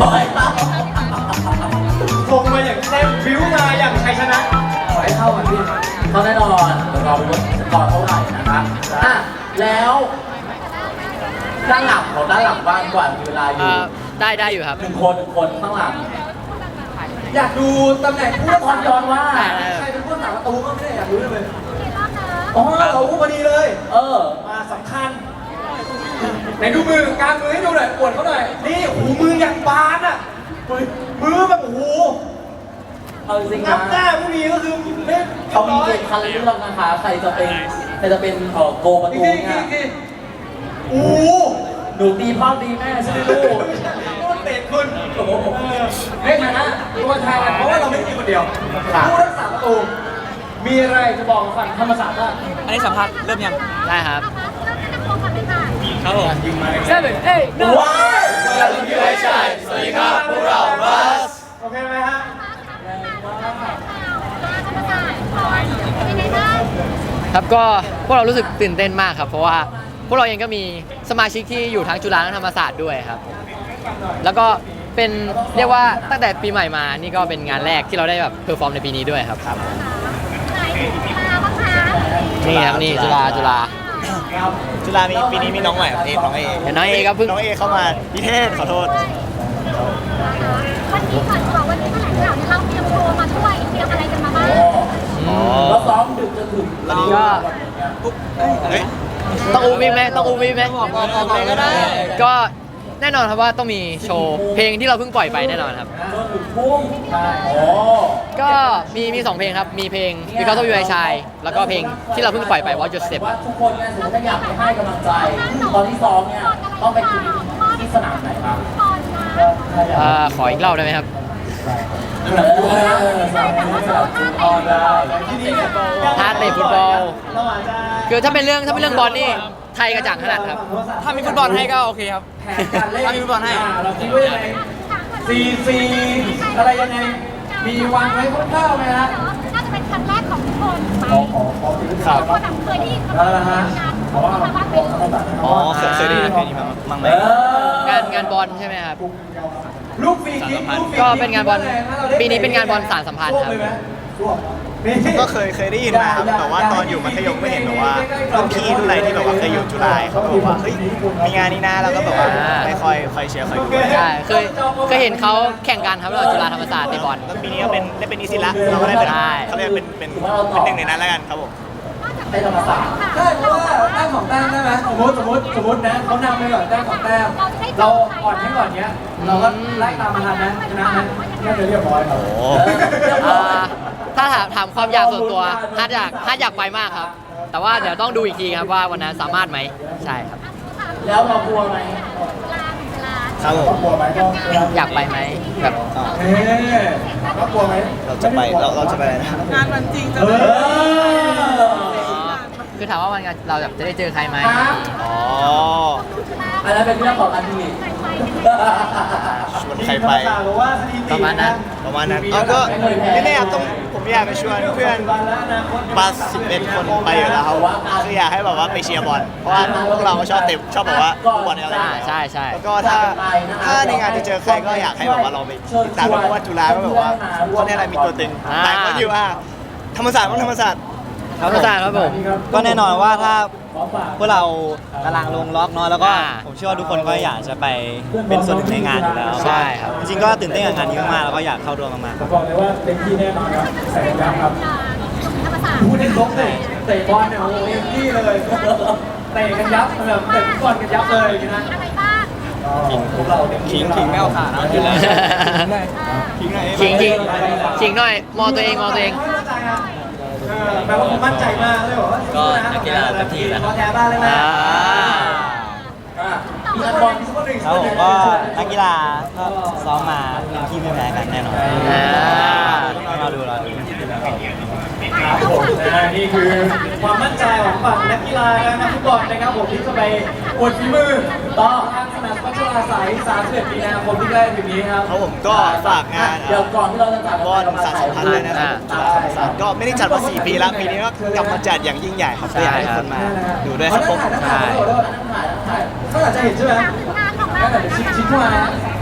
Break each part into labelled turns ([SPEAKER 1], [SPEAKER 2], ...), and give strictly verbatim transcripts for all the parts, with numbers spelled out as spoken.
[SPEAKER 1] ยคงมาอย่างเต็มฟิวมาอย่างชัยชนะขอให้เข้ากันพี่เข้าแน่นอนเดี๋ยวรอดูว่าสกอร์เท่าไหร่นะครับอ่ะแล้วด้านหลังของด้านหลังบ้างก่อนมีเวลาอยู่
[SPEAKER 2] ได้ได้อยู่ครับ
[SPEAKER 1] หนึ่งคนหนึ่งคนข้างหลังอยากดูตำแหน่งผู้ทอนย้อนว่าใครเป็นผู้สาประตูก็ไม่ได้อยากรู้เลยอ๋อเราผู้พอดีเลย เออมาสำคัญไหนดูมือกางมือให้ดูหน่อยปวดเขาหน่อยนี่หูมืออย่างบานอ่ะมือมือแบบโอ้โหเอาจริงนะหน้าผู้นี้ก็คือเล่นเขามีเกมคันเรื่องนะคะใครจะเป็นใครจะเป็นเอ่อโกประตูเนี่ยโอ้หนูตีพ่อตีแม่ใช่ไหมลูกต้นเตะคุณโอ้โหเล่นนะฮะตัวแทนเพราะว่าเราไม่ได้มีคนเดียวผู้รักษาประตูมีอะไรจะบอกฝั่งธรรมศาสตร์บ้าง
[SPEAKER 3] อันนี้สัมภาษณ์เริ่มยัง
[SPEAKER 2] ได้ครับ
[SPEAKER 3] ครับผมยิงมา
[SPEAKER 2] เซเว่นเอ้ย
[SPEAKER 1] ว้าวเราเป็นยูไอชัยสวัสดีครับพวกเราบัสโอเคไหมฮะ
[SPEAKER 2] ครับก็พวกเรารู้สึกตื่นเต้นมากครับเพราะว่าพวกเราเองก็มีสมาชิกที่อยู่ทั้งจุฬาและธรรมศาสตร์ด้วยครับแล้วก็เป็นเรียกว่าตั้งแต่ปีใหม่มานี่ก็เป็นงานแรกที่เราได้แบบเพอร์ฟอร์มในปีนี้ด้วยครับนี่ครับนี่จุฬาจุฬา
[SPEAKER 3] จุฬามีปีนี้มีน้องใหม่ครับเอน้องเอ
[SPEAKER 2] เดี๋ยวน้องเอครับเพิ่ง
[SPEAKER 3] น้องเอเข้ามาพิเทศขอโทษ
[SPEAKER 4] วันนี้ก่อนดีกว่าวันนี้แถลงข่าวเนี่ยเราเตรียมโชว์มาด้วยเตรียมอะไรกันมาบ้าง
[SPEAKER 1] แล้วซ้อมดึกจนถึง
[SPEAKER 2] วันนี้ก็ต้องอูมิไหมต้องอูมิไหม
[SPEAKER 3] ก็ได้
[SPEAKER 2] ก็แน่นอนครับว่าต้องมีโชว์เพลงที่เราเพิ่งปล่อยไปแน่นอนครับก็มีมีสองเพลงครับมีเพลง Because of You I Shine แล้วก็เพลงที่เราเพิ่งปล่อยไป Watch Your Step ครับ
[SPEAKER 1] ทุกคนเนี่ยสมมติถ้าอยากไปให้กำลังใจตอนที่ซ้อมเนี่ยต้องไปที่ที่สนามไหนครับ
[SPEAKER 2] ขออีกรอบได้ไหมครับท่าเตะฟุตบอลคือถ้าเป็นเรื่องถ้าเป็นเรื่องบอลนี่ไทยกระจ่างขนาดครับ
[SPEAKER 3] ถ้ามีฟุตบอลให้ก็โอเคครับถ้ามีฟุตบอลให้
[SPEAKER 1] เราคิดว่ายังไงซีซีอะไรยังไงมีวางไว้คร่าวๆไหมฮะ
[SPEAKER 4] น่าจะเป็นครั้งแรกของทุกคนไป
[SPEAKER 1] ครับ
[SPEAKER 4] ก็แบบเคยได้ยินคำ
[SPEAKER 1] นี้เพราะว่า
[SPEAKER 3] อ๋อเคยเคยได้ยินเพลงนี้มั้งไหม
[SPEAKER 2] งานงานบอลใช่ไหมครับ
[SPEAKER 1] ลูกฟรีคิก
[SPEAKER 2] ก็เป็นงานบอลปีนี้เป็นงานบอลสารสัมพันธ์ครับ
[SPEAKER 3] ก็เคยเคยได้ยินมาครับแต่ว่าตอนอยู่มัธยมไม่เห็นแบบว่ารุ่นพี่รุ่นอะไรที่แบบว่าเคยอยู่จุฬาเขาบอกว่าเฮ้ยมีงานนี้นะแล้วก็แบบว่าไม่ค่อยค่อยเชียร์ค่อยดู
[SPEAKER 2] ใช่เคยเคยเห็นเขาแข่งกันครับเราจุฬาธรรมศาสตร์ในบอล
[SPEAKER 3] แล้วปีนี้ก็เป็นได้เป็นนิสิตละเราก็ได้เป็นเขาเรียกเป็นเป็นเป็นหนึ่งในนั้นแล้วกันครับผม
[SPEAKER 1] ได้ธรรมศาสตร์ใช่เพราะว่าแต้มของแต้มได้ไหมสมมติสมมติสมมตินะเขานำไปก่อนแต้มของแต้มเราอ่อนให้ก่อนเนี้ยเราก็ไล่ตามมาทันนะชนะนะน่าจะเรียบร้อยครับ
[SPEAKER 2] ถ้าถามถามความอยากส่วนตัวฮาร์ดอยากฮาร์ดอยากไปมากครับแต่ว่าเดี๋ยวต้องดูอีกทีครับว่าวันนั้นสามารถไหมใช่ครับ
[SPEAKER 1] แล้วเรากลัวไหม
[SPEAKER 3] ครับผม
[SPEAKER 1] กลัวไหมก็
[SPEAKER 2] อยากไปไหมแบบ
[SPEAKER 1] เอ๊ะเรากลัวไหม
[SPEAKER 3] เราจะไปเราเราจะไปนะ
[SPEAKER 4] งานมันจริงจะ
[SPEAKER 2] คือถามว่าวันงานเราแบบจะได้เจอใครไหม
[SPEAKER 3] อ๋อ
[SPEAKER 1] อันนั้นเป็นเรื่องของอันนี้
[SPEAKER 3] ชวนใครไป
[SPEAKER 2] ประมาณนั้น
[SPEAKER 3] ประมาณนั้นเอาก็ไม่แน่ต้องผมอยากไปชวนเพื่อนปัสสิบเอ็ดคนไปอยู่แล้วคืออยากให้แบบว่าไปเชียร์บอลเพราะว่าพวกเราก็ชอบเตะชอบแบบว่าบอลอะไร
[SPEAKER 2] ใช่ใช่
[SPEAKER 3] แล้วก็ถ้าถ้าในงานจะเจอใครก็อยากให้แบบว่าเราไปติดตามเพราะว่าจุฬาก็แบบว่าคนนี้อะไรมีตัวตึงแต่ก็อยู่ว่าธรรมศาสตร์ต้องธรรมศาสตร์
[SPEAKER 2] ธรรมศาสตร์ครับผม
[SPEAKER 5] ก็แน่นอนว่าถ้าพวกเรากำลังลงล็อกเนาะแล้วก็ผมเชื่อว่าทุกคนก็อยากจะไปเป็นส่วนหนึ่งในงานอยู่แล้ว
[SPEAKER 2] ใช่ครับ
[SPEAKER 5] จริงๆก็ตื่นเต้นกับงานนี้มากๆแล้วก็อยากเข้าร่วมมาก
[SPEAKER 1] ๆบอกเลยว่าเต็มที่แน่นอนครับแสงยักษ์ครับพูดในลบเลยเตะบอลเนี่ยโอ้โหเต็มที่เลยเตะกันยับแบบเตะบอลกันยับเลยนะ
[SPEAKER 3] ขิงขิงไม่เอาขาดนะอยู่แล้ว
[SPEAKER 2] ขิงขิงขิงขิงหน่อยมองตัวเองมองตัวเอง
[SPEAKER 1] แปลว่าผมมั่นใจมากเลยบอกว่า
[SPEAKER 5] ก็นักกีฬาเต็มที่แล้ว
[SPEAKER 1] แพ้บ้านเลยนะมีนักบอลสักคนหนึ่ง
[SPEAKER 5] ครับผมก็นักกีฬาก็ซ้อมมาเต็มที่ไม่แพ้กันแน่นอนเราดูเราดู
[SPEAKER 1] ครับผมนี่คือความมั่นใจของฝั่งนักกีฬาและนักฟุตบอลนะครับผมที่จะไปอวดฝีมือต่อทางสนามพัชราสายสามสิบเอ็ดมีนาคมที่ใกล้ถึงนี้ครับ
[SPEAKER 3] ครับผมก็ฝากงาน
[SPEAKER 1] เดี๋ยวก่อนที่เราจะจัด
[SPEAKER 3] บอลสารสัมพันธ์เลยนะครับก็ไม่ได้จัดมาสี่ปีแล้วปีนี้ก็กลับมาจัดอย่างยิ่งใหญ่ครับอยากให้คนมาดูด้วยครับผม
[SPEAKER 1] ใช่ก็อาจจะเห็นใช่ไหมก็อาจจะชิดชิดเข้ามา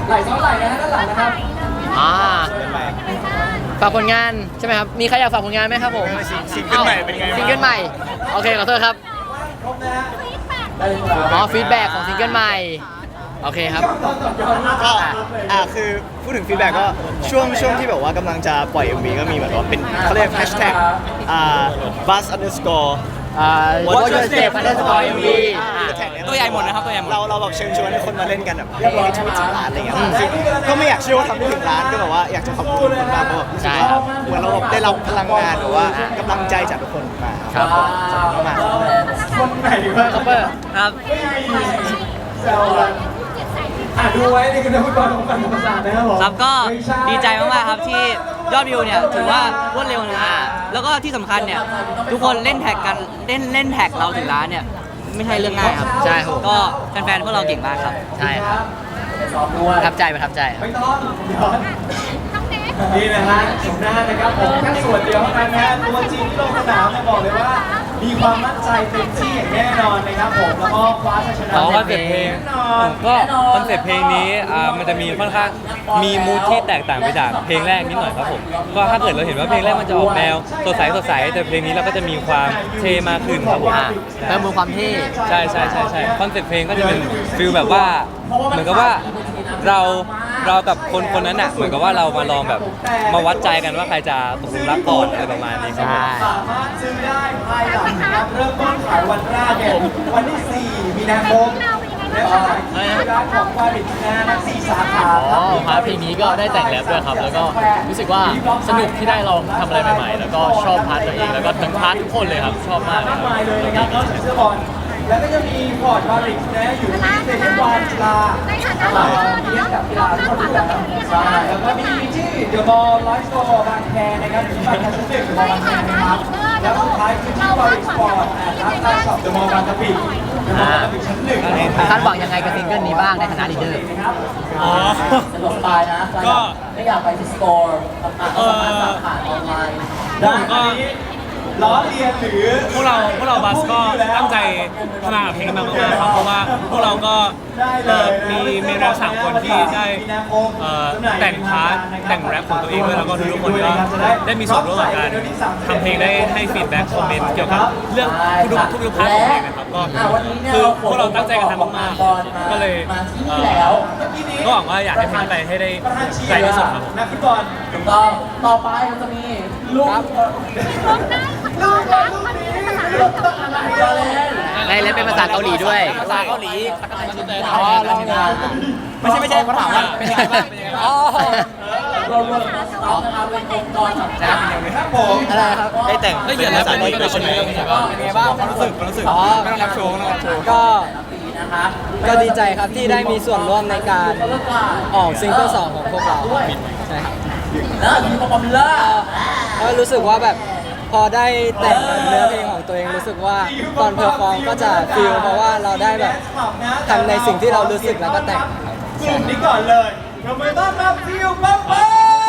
[SPEAKER 1] ไหลซ้อนไหลนะฮะด้านหลังนะครับ
[SPEAKER 2] อ่า
[SPEAKER 3] เป็นไร
[SPEAKER 2] ฝากผลงานใช่ไหมครับ มีใครอยากฝากผลงานไหมครับผม
[SPEAKER 3] ซิงเกิลใหม่เป็นไงบ้าง
[SPEAKER 2] ซิงเกิลใหม่ โอเคขอโทษครับ
[SPEAKER 1] ครบนะฮะ
[SPEAKER 4] ฟีดแบ็ก
[SPEAKER 1] ได้เลยครับ
[SPEAKER 2] อ๋อฟีดแบ็กของซิงเกิลใหม่ โอเคครับ
[SPEAKER 3] ก็อ่าคือพูดถึงฟีดแบ็กก็ช่วงช่วงที่แบบว่ากำลังจะปล่อย เอ็ม วี ก็มีแบบว่าเป็นเขาเรียกแฮชแท็กอ่า bus underscore
[SPEAKER 2] อ่า What's your step underscore เอ็ม วี
[SPEAKER 3] ตัวใหญ่หมดนะครับตัวใหญ่หมดเราเราแบบเชิญชวนให้คนมาเล่นกันแบบให้ให้ทวิตถึงล้านอะไรเงี้ยซึ่งก็ไม่อยากเชื่อว่าทำได้ถึงล้านก็แบบว่าอยากจะขอบคุณทุกคนมากเพราะแบบรู้สึกว่าเหมือนเราแบบได้รับพลังงานหรือว่ากำลังใจจากทุกคนมา
[SPEAKER 2] ครับ
[SPEAKER 3] ขอบคุณมาก
[SPEAKER 1] คนไหนดีวะ
[SPEAKER 2] คัพเปอร์ครับ
[SPEAKER 1] ไม่มีแซวกันอ่ะดูไว้นี่คือนักฟุตบอลของฝั่งธรรมศาสตร์นะครับผม
[SPEAKER 6] ครับก็ดีใจมากๆครับที่ยอดวิวเนี่ยถือว่ารวดเร็วนะฮะแล้วก็ที่สำคัญเนี่ยทุกคนเล่นแท็กกันเล่นเล่นแท็กเราถึงล้านเนี่ยไม่ใช่เรื่องง่ายครับ
[SPEAKER 2] ใช่ครับ
[SPEAKER 6] ก็แฟนๆพวกเราเก่งมากครับ
[SPEAKER 2] ใช่ครับ
[SPEAKER 1] ซ้อมด้วย
[SPEAKER 2] ประทับใจประทับใจครับ
[SPEAKER 1] ไม่ต้องย้อน
[SPEAKER 4] น้องเนส
[SPEAKER 1] นี่นะฮะชมหน้านะครับผมแค่ส่วนเดียวเท่านั้นนะฮะตัวจริงที่ลงสนามเนี่ยบอกเลยว่า มีความมั่นใจเต็มที่อย่างแน่นอนนะครับผมแล้วก็คว้าชัยชนะ
[SPEAKER 7] อ๋อคอนเซ็ปต์เพลง
[SPEAKER 1] แน่นอน
[SPEAKER 7] ก็คอนเซ็ปต์เพลงนี้อ่ามันจะมีค่อนข้างมีมูทที่แตกต่างไปจากเพลงแรกนิดหน่อยครับผมก็ถ้าเกิดเราเห็นว่าเพลงแรกมันจะออกแนวสดใสสดใสแต่เพลงนี้เราก็จะมีความเท่มากขึ้นครับผม
[SPEAKER 2] อ่าเติมมูลความเท่
[SPEAKER 7] ใช่ใช่ใช่ใช่คอนเซ็ปต์เพลงก็จะเป็นฟิลแบบว่าเหมือนกับว่าเราเรากับคนคนนั้นอ่ะเหมือนกับว่าเรามาลองแบบมาวัดใจกันว่าใครจะตกหลุมรักก่อนอะไรประมาณนี้ครับผม
[SPEAKER 2] ใช่
[SPEAKER 1] สามารถซื้อได้ภายหลังนะครับเริ่มต้นขายวันแรกเนี่ยวันที่สี่มีนาคมและขายที่ร้านของวาริชนะทั้งสี่สาขา
[SPEAKER 8] อ๋อพาร์ทเพลงนี้ก็ได้แต่งแรปด้วยครับ แล้วก็รู้สึกว่าสนุกที่ได้ลองทำอะไรใหม่ๆ แล้วก็ชอบพาร์ทตัวเอง แล้วก็ทั้งพาร์ททุกคนเลยครับ ชอบมากเลย
[SPEAKER 1] มาก
[SPEAKER 8] ครับ
[SPEAKER 1] มายเลยนะครับนอกจากเสื้อบอลแล้วก็จะมีพอร์ตวาริชนะอยู่ที่สเตเดียมวานจุฬา
[SPEAKER 4] ในฐานะเราเนาะ
[SPEAKER 1] เทียบกับกีฬาที่เขาดูแล
[SPEAKER 4] ใช่
[SPEAKER 1] ใช่แล้วก็มีที่เดอะมอลล์ไลฟ์สโตร์บางแคนะครับอยู่ที่บางแคชั้นหนึ่งเดอะมอลล์บางแคนะครับแล้วสุดท้ายคือที่วาริชสปอร์ตร้านใต้ช็อปเดอะมอลล์บางกะปิเดอะมอลล์บางกะปิชั้นหนึ่งนะครับ
[SPEAKER 2] คาดหวังยังไงกับซิงเกิลนี้บ้างในฐานะลีดเดอร์
[SPEAKER 7] อ๋อ
[SPEAKER 1] สะดวกสบายนะ
[SPEAKER 7] ก็
[SPEAKER 1] ไม่อยากไปที่สโตร์ต่างๆก็สามารถสั่งผ่านออนไลน์ได้
[SPEAKER 7] ผมก็
[SPEAKER 1] ล้อเลียนหรือ
[SPEAKER 7] พวกเราพวกเราบัสก็ตั้งใจทำงานกับเพลงมากๆครับเพราะว่าพวกเราก็เอ่อมีมีเราสามคนที่ได้เอ่อแต่งพาร์ทแต่งแรปของตัวเองด้วยแล้วก็ทุกๆคนก็ได้มีส่วนร่วมกับการทำเพลงได้ให้ฟีดแบ็กคอมเมนต์เกี่ยวกับเรื่องทุกๆทุกๆพาร์ทของเพลงนะครับก็คือพวกเราตั้งใจกันทำมากๆก็เลยเอ่อก็หวังว่าอยากให้เพลงไปให้ได้ไกลที่สุดครับผม
[SPEAKER 1] นักฟุตบอลถูกต้องต่อไปเราจะมีลูก
[SPEAKER 4] ร้องได้ร้องรักมันมีภาษาอังกฤษกับอะไร
[SPEAKER 2] ในเล่นเป็นภาษาเกาหลีด้วย
[SPEAKER 6] ภาษาเกาหลี
[SPEAKER 1] อ๋อลองงาน
[SPEAKER 6] ไม่ใช่ไม่ใช่เขาถามว่าเป็นยังไงบ้างเป็นยังไงบ้าง
[SPEAKER 2] อ๋อ
[SPEAKER 1] เรารวมเอานะครับเป็นองค์กรสำคัญครับผม
[SPEAKER 2] อะไรครับ
[SPEAKER 3] ได้แต่ง
[SPEAKER 7] ได้เขียนแล้วเป็นยังไงบ้าง
[SPEAKER 3] เป็นไงบ้างความรู้สึกความรู้สึกไม่ต้องรับโชว์ไม่ต้องรับโชว์
[SPEAKER 5] ก็
[SPEAKER 1] นะครับ
[SPEAKER 5] ก็ดีใจครับที่ได้มีส่วนร่วมในการออกซิงเกิลสองของพวกเราใช่ครับ
[SPEAKER 1] แล้วมีปอมล่า
[SPEAKER 5] ก็รู้สึกว่าแบบพอได้แต่งเนื้อเพลงของตัวเองรู้สึกว่าตอนเพอร์ฟอร์มก็จะฟีลเพราะว่าเราได้แบบทำในสิ่งที่เรารู้สึกแล้วก็แต่งครับ
[SPEAKER 1] กลุ่มนี้ก่อนเลยเราไม่ต้อนรับฟิวปั๊บปั๊บ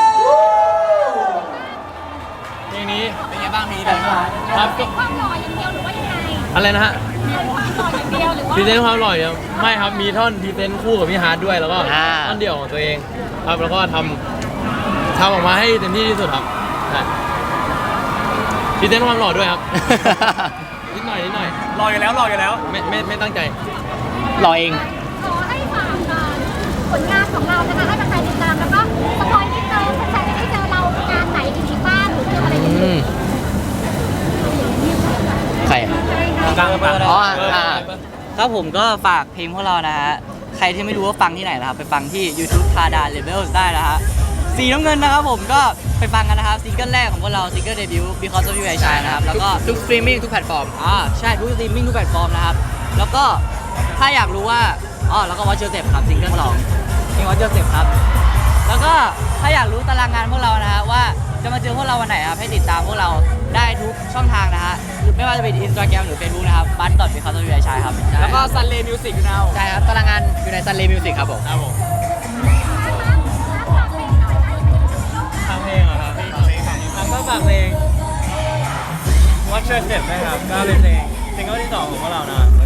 [SPEAKER 8] เพลงนี้
[SPEAKER 6] เป็นยังไงบ้างเพลงนี้เป็นยังไงบ้าง
[SPEAKER 8] ครับก็
[SPEAKER 4] ความหล่ออย่างเดียวหรือว่ายังไง
[SPEAKER 8] อะไรนะฮะ
[SPEAKER 4] ความหล่ออย่างเดียวหรือว่า
[SPEAKER 8] พรีเซนต์ความอร่อยยังไม่ครับ มีท่อนพรีเซนต์คู่กับพี่ฮาร์ดด้วย แล้วก็
[SPEAKER 2] อ่า
[SPEAKER 8] ท่อนเดี่ยวของตัวเองครับแล้วก็ทำทำออกมาให้เต็มที่ที่สุดครับใช่พรีเซนต์ความหล่อด้วยครับ นิดหน่อยนิดหน่อย
[SPEAKER 7] รออยู่แล้วรออยู่แล้ว
[SPEAKER 8] ไม่ไม่ไม่ตั้งใจ
[SPEAKER 2] รอเอง
[SPEAKER 4] ขอให้ฝากเอ่อผลงานของเรานะคะให้แฟนๆติดตามแล้วก็สปอยนิดนึงแฟนๆจะได้เจอเรางานไหนอีกบ้างหรือเจออะไรกัน
[SPEAKER 2] อืม ใครอ่ะ
[SPEAKER 7] กลางกลาง
[SPEAKER 2] อ๋ออ่า
[SPEAKER 6] ครับผมก็ฝากเพลงพวกเรานะฮะใครที่ไม่รู้ว่าฟังที่ไหนนะครับไปฟังที่ YouTube ทาดา Levels ได้นะฮะสีน้ำเงินนะครับผมก็ไปฟังกันนะครับซิงเกิลแรกของพวกเราซิงเกิลเดบิวต์ Because of You I Shine นะครับแล้วก็
[SPEAKER 2] ทุกสตรีมมิ่งทุกแพลตฟอร์ม
[SPEAKER 6] อ่าใช่ทุกสตรีมมิ่งทุกแพลตฟอร์มนะครับ แล้วก็ถ้าอยากรู้ว่าอ๋อแล้วก็วอชเชอร์เซปครับซิงเกิลสองเพลงวอชเชอร์เซปครับ แล้วก็ถ้าอยากรู้ตารางงานพวกเรานะฮะว่าจะมาเจอพวกเราวันไหนครับให้ติดตามพวกเราได้ทุกช่องทางนะฮะไม่ว่าจะเป็น Instagram หรือ Facebook นะครับบัตดอทเป็นคาร์ทวิไอชายครับแล้วก็ Sunday Music นะ
[SPEAKER 2] ใช่ครับตารางงานอยู่ใน Sunday Music ครับผม
[SPEAKER 7] ครับผมทางเพลงเหรอครับแล้วก็ฝากเพลง Watch Your Step นะครับก็เป็นเพลงซิงเกิลที่สองของพวกเรานะครับ